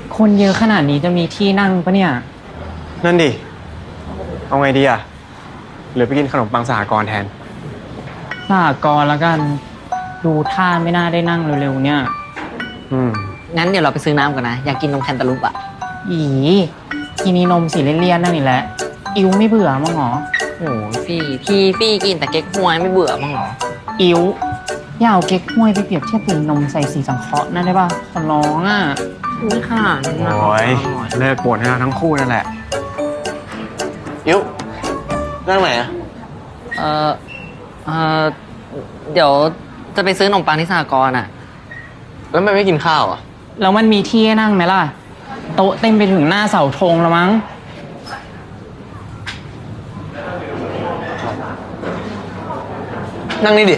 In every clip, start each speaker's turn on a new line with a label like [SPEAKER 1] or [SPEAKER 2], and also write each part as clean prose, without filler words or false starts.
[SPEAKER 1] คนเยอะขนาดนี้จะมีที่นั่งปะเนี่ย
[SPEAKER 2] นั่นดิ เอาไงดีอ่ะหรือไปกินขนมปังสหกรณ์แทน
[SPEAKER 1] สหกรณ์แล้วกัน ดูท่าไม่น่าได้นั่งเร็วๆเนี่ย
[SPEAKER 3] งั้นเดี๋ยวเราไปซื้อน้ำก่อนนะ อยากกินนมแคนตาลูปอ่ะ
[SPEAKER 1] อีกินนมสีเลี่ยนๆนั่นนี่แหละ อิวไม่เบื่อมั้งหรอ
[SPEAKER 3] โอ้พี่กินแต่เก๊กฮวยไม่เบื่อมั้งหรอ
[SPEAKER 1] อิวอย่าเอาเก๊กฮวยไปเปรียบเทียบกับนมใส่สีสังเคราะห์นั่นได้ป่ะขอร้องอ่ะ
[SPEAKER 3] นี่ค่ะ
[SPEAKER 2] โอ้ยเลิกบ่นให้เราทั้งคู่นั่นแหละอิวนั่งไหนอ่ะ
[SPEAKER 3] เออเดี๋ยวจะไปซื้อขนมปังที่สหกรณ์อ่ะ
[SPEAKER 2] แล้วมันไม่กินข้าวอ่ะ
[SPEAKER 1] แล้วมันมีที่ให้นั่งไหมล่ะโต๊ะเต็มไปถึงหน้าเสาธงแล้วมั้ง
[SPEAKER 2] นั่งนี่ดิ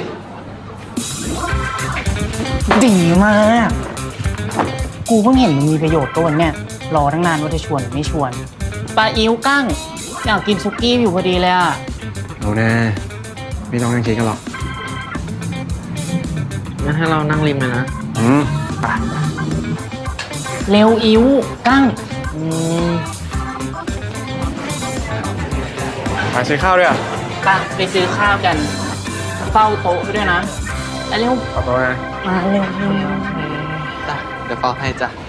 [SPEAKER 1] ดีมากกูเพิ่งเห็นมันมีประโยชน์ตัวเนี่ยรอตั้งนานว่าจะชวนหรือไม่ชวนปลาอิ๋วกั้งอยากกินซุกี้อยู่พอดีเลยอ่ะ
[SPEAKER 2] เอาแน่ไม่ต้องนั่งคิดกันหรอก
[SPEAKER 3] งั้นให้เรานั่งริมเลยนะ
[SPEAKER 2] ไป
[SPEAKER 1] เร็วอิ๋วกั้ง
[SPEAKER 2] ไปซื้อข้าวด้วยอ่ะ
[SPEAKER 1] ไปซื้อข้าวกันเฝ้าโต๊ะไปด้วยนะเร็ว
[SPEAKER 2] ขอตัวนะ
[SPEAKER 1] มาเร็ว
[SPEAKER 3] จ้ะเดี๋ยวเฝ้าให้จ้ะ